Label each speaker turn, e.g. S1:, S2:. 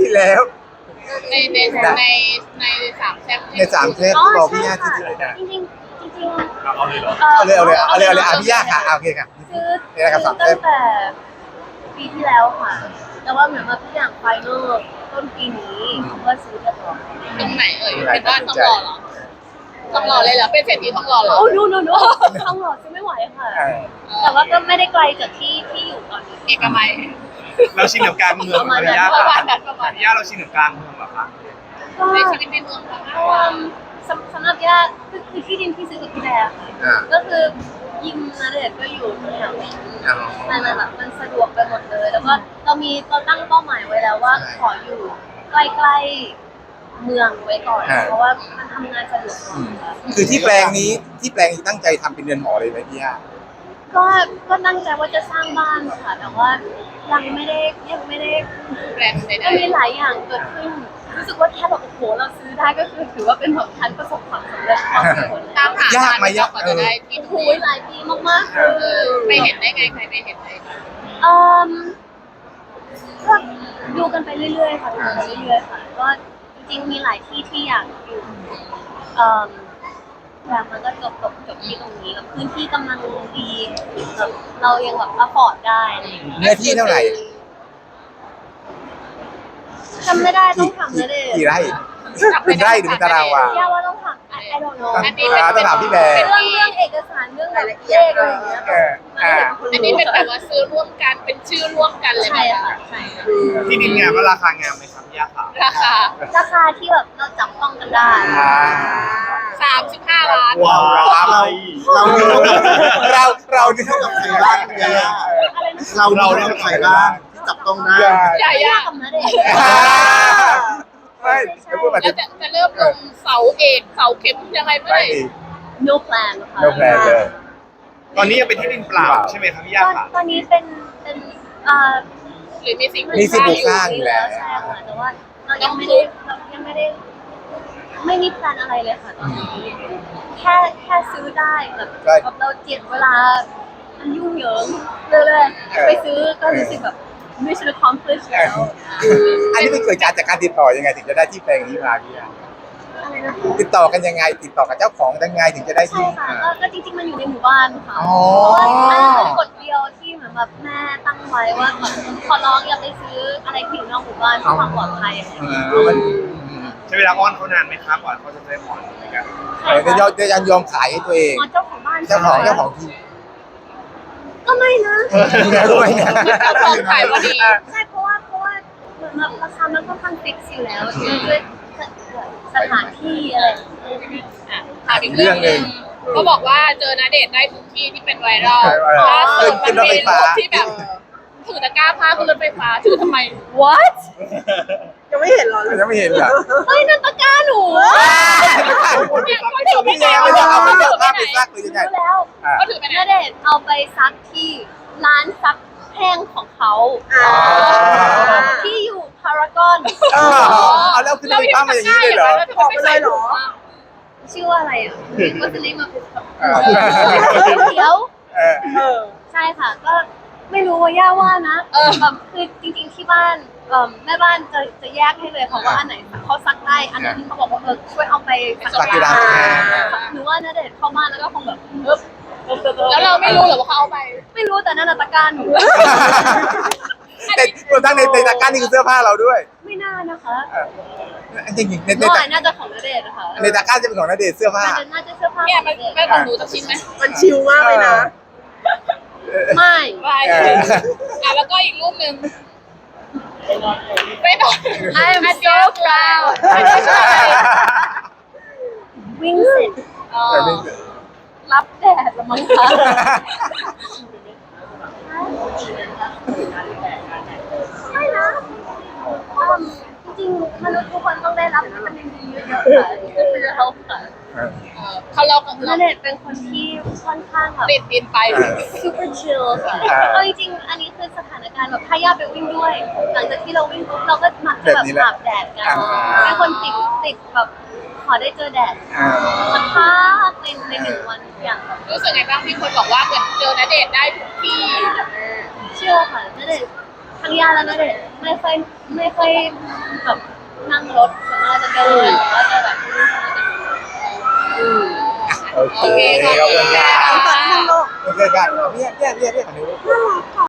S1: ที่แล้ว
S2: ในในสามแซ่บ
S1: ในสามเทปบอกพี่ย่าที่ไหนนะ
S3: จริงๆ
S4: เอาเลยเหรอ
S1: เอาเลยพี่ย่าค่ะโอเคค่ะ
S3: ซื้อ
S1: นี่แหละครับสามเท
S3: ตั้
S1: ป
S3: งแต่ปีที่แล้วค่ะ แต่ว่าเหมือนว่าทุกอย่างไฟนอลต้นปีนี้ก็ซื้อเรียบร้อย
S2: ตรงไหนเป็นบ้านทองหล่อเหรอทองหล่อเลยเหรอเป็นเศรษฐีทองหล่อเหรอ
S3: โอ้ดูทองหล่อซื้อไม่ไหวค่ะ แต่ว่าก็ไม่ได้ไกลจากที่อยู่ตอนนี้
S2: เอกมัย
S4: เราชินกับกลางเมืองพี่ย่า
S2: ประมาณนั้นประมาณ
S4: พี่
S2: นั้น
S4: ย่าเราชินกับกลางเมืองเหรอคะ
S3: ก็
S2: ในชีวิตในเมืองมากกว่า
S3: สำหรับย่าคือที่ดินที่ซื้อกับพี่แบร์ค่ะก็คือยิมนาเดชน์ก็อยู่แถวนี้มันแบบมันสะดวกไปหมดเลย แล้วก็เราตั้งเป้าหมายไว้แล้วว่าขออยู่ใกล้ๆเมืองไว้ก่อน เพราะว่ามันทำงานสะดวกกว่าค่ะ
S1: คือที่แปลงนี้ตั้งใจทำเป็นเรือนหอเลยไหมพี่ย่า
S3: ก็ตั้งใจว่าจะสร้างบ้านค่ะ แต่ว่ายังไม่ได้
S2: แบรนด์ใด
S3: ก็มีหลายอย่างเกิดขึ้น รู้สึกว่าแค่แบบโอ้โหเราซื้อได้ก็คือถือว่าเป็นแบบทันประสบความสำเร็จพอสมควร
S2: ๆตามหายากไหมยากกว่าจะได้ที่
S3: โอ้
S2: ต
S3: โห
S2: รงนี้
S3: หลายปีมากๆเลย
S2: ไปเห็นได้ไงใครไปเห็นได้
S3: เอ่มก็ดูกันไปเรื่อยๆค่ะดูกันไปเรื่อยๆค่ะก็จริงๆมีหลายที่ที่อยากอยู่เอ่มแต่มันก็จบที่ตรงนี้แล้วพื้นที่กำลังดีแบบเรายังแบบอัพพอร์ตได้อะไรอย่างเงี้ย
S1: เนื้อที่เท่าไหร่
S3: จำไม่ได้ต้องถามเลยดิ
S1: กี่ไร่เป็นไร่หรือเป็นตารางวา
S3: ย่าว่าต้องถาม I don't know
S2: อันนี้
S1: ต้องถามพี่แบร์
S3: เรื่องเอกสารเรื่องรายละเอียดอะไรอย่างเงี้ย
S2: อันนี้เป็นแบบว่าซื้อร่วมกันเป็นชื่อร่วมกันเลย
S3: ใช่ค่ะใช่ค่ะ
S4: ที่ดินงามว่าราคางามไหมครับพี่ย่าค่ะ
S2: ราคา
S3: ราคาที่แบบเราจับต้องกันได้
S2: 35 ล้าน
S4: ว้าว
S1: เราเนี่ย
S5: กับใครบ้างเนี่ย
S3: อะไรนะ
S5: เราได้กับใครบ้างที่จับต้องได้
S2: ใหญ่
S3: ย่า
S2: อะ
S3: กับนาเดช
S1: ไม่จะพูดมา
S2: แล้วจะเริ่มลงเสาเอกเสาเข็มยังไงเมื่อไห
S1: ไม่
S2: ร่
S1: มี
S3: no plan ค่ะ
S1: no plan เลย
S4: ตอนนี้ยังเป็นที่ดินเปล่าใช่ไหมครับพี่ย่าค่ะ
S3: ตอนนี้เป็น
S2: หรือมีสิ่ง
S1: มีสิ่งปลูกสร้างอยู่แล้ว
S3: ใช่ค่ะแต่ว่าเรายังไม่ได้ไม่มีแพลนอะไรเลยค่ะตอนนี้แค่ซื้อได้แบบเราเจียดเวลามันยุ่งเหยิงเรื่อยๆไปซื้อก็รู้สึกแบบ mission accomplished แล้ว
S1: อันนี้เป็นเกิดจากการติดต่อยังไงถึงจะได้ที่แปลงนี้มาพี่ย่า
S3: อะไรนะ
S1: ติดต่อกันยังไงติดต่อกับเจ้าของยังไงถึงจะได้
S3: ใช่
S1: ที่
S3: ค่ะก็จริงๆมันอยู่ในหมู่บ้านค่ะ
S1: อ๋อ
S3: เพราะว่าอันนั้นเป็นกฎเดียวที่เหมือนแบบแม่ตั้งไว้ว่าแบบขอร้องอย่าไปซื้ออะไรที่อยู่นอกหมู่บ้านเพื่อความปลอดภัยอะไรอย่างเงี้ย
S4: ใช้เวลาอ้อนเขานานไหมครับก่อนเขาจะได้ผ่อนเหมือนกัน
S1: จะยอมขายให้ตัวเอง
S3: อ๋อเจ้าของบ้าน
S1: เจ้าของที่
S3: ก็ไม่นะ
S1: ด้วยนะ
S2: เจ้าของขายพอดี
S3: ใช่เพราะว่าเหมือนแบบราคามันค่อนข้างฟิกซ์อยู่แล้วด้วยสถานที่อะไรอย่างเงี้ย
S2: ถามอีกเรื่องหนึงก็บอกว่าเจอณเดชน์ได้ทุกที่ที่เป็นไวรัลล่าสุดมันมีรูปที่แบบถือตะกร้าผ้าขึ้นรถไฟฟ้าถือทำไม
S3: what
S5: ยังไม่เห็นหรอ
S1: ยังไม่เห็นเหรอ
S3: เฮ้ยนั่นตะกร้าหนู
S2: เนี่ยเขาถือไป
S1: พี่
S2: ไหน
S1: แย่ไม่ได้เอาไปจับภาพไปซักหรือยังไง
S3: รู้แล้ว
S2: เขาถือไปไหน
S3: ณเดชน์เอาไปซักที่ร้านซักแห้งของเขาที่อยู่พารากอน
S1: เอาแล้วขึ้นไปข้ามมาอย่างนี้เลยเหรอ
S2: แล้วทำไมไม่ใส่ถุงอะ
S3: ชื่อว่าอะไรอ่ะ What's the name of his เขียว ใช่ค่ะ ก็ไม่รู้ว่าย่าว่านะแบบคือจริงๆที่บ้านแม่บ้านจะแยกให้เลยค่ะว่าอันไหนเขาซักได้อันไหนที่เขาบอกว่าช่วยเอาไปซัก
S1: ซักที่ร้าน
S3: หนูว่าณเดชน์เข้าบ้านแล้วก็คงแบบ
S2: แล้วเราไม่รู้เหรอว่าเขาเอาไป
S3: ไม่รู้แต่นั่นน่ะตะกร้าหนู
S1: แต่รวมทั้งในตะกร้านี่คือเสื้อผ้าเราด้วย
S3: ไม่น่านะคะ
S1: จริงๆใน
S3: น้อยน่าจะของณเดชน์นะคะ
S1: ตะกร้าจะเป็นของณเดชน์เสื้อผ้า
S3: น่าจะเสื้อผ้า
S2: เนี่ย
S3: ของ
S2: มัน
S3: ณเดชน์
S2: ไม่ของหนูสักชิ้นไหม
S5: มันชิลมากเลยนะ
S3: ไม่
S2: ไม่แล้วก็อีกรูปหนึ่งไม่ต้อง
S3: I'm so proud วิ่งเสร็จรับแดดละมั้งคะไม่นะจริงๆมนุษย์ทุกคนต้องได้รับวิตามินดีเยอะๆค่ะก็คือเขาค่ะ
S2: เขาเรา
S3: ณเดชน์เป็นคนที่ค่อนข้างแบบ
S2: ติดดินไป
S3: super chill ค่ะเอาจริงๆอันนี้คือสถานการณ์แบบถ้าย่าไปวิ่งด้วย หลังจากที่เราวิ่งปุ๊บเราก็มักจะแบบอาบแดดกันเป็นคนติดแบบขอได้เจอแดดสักพักในหนึ่งวันอย่างแบบ
S2: รู้สึกไงบ้างที่คนบอกว่าเหมือนเจอณเดชน์ได้ทุกที่
S3: เชื่อค่ะณเดชน์ทั้งย่าและณเดชน์ไม่ค่อยแบบนั่งรถส่วนมากจะเดินหรือว่าจะแบบ
S1: โอเค
S2: โอเคขอบคุณค่ะ
S1: โอเคกันเนี่ยฝั่งนี้